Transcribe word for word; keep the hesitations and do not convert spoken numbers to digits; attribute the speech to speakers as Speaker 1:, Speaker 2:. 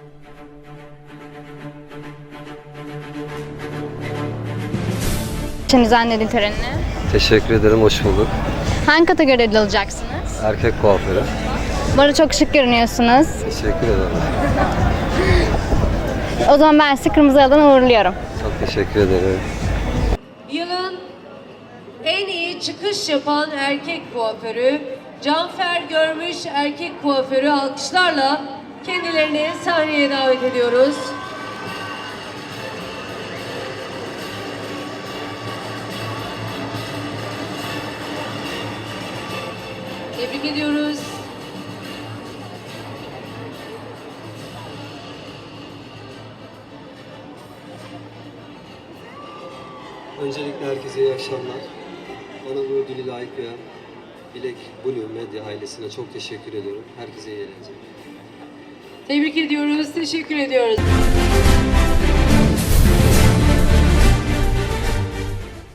Speaker 1: için düzenlediğin törenine.
Speaker 2: Teşekkür ederim, hoş bulduk.
Speaker 1: Hangi kategoride alacaksınız?
Speaker 2: Erkek kuaförü.
Speaker 1: Bu arada çok şık görünüyorsunuz.
Speaker 2: Teşekkür ederim.
Speaker 1: O zaman ben sizi Kırmızı Halı'dan uğurluyorum.
Speaker 2: Çok teşekkür ederim.
Speaker 3: Yılın en iyi çıkış yapan erkek kuaförü, Canfer Görmüş erkek kuaförü alkışlarla kendilerini sahneye davet ediyoruz. Tebrik ediyoruz.
Speaker 2: Öncelikle herkese iyi akşamlar. Bana bu ödülü layık gören Bilek Blue Medya ailesine çok teşekkür ediyorum. Herkese iyi eğlenceler.
Speaker 3: Tebrik ediyoruz, teşekkür ediyoruz.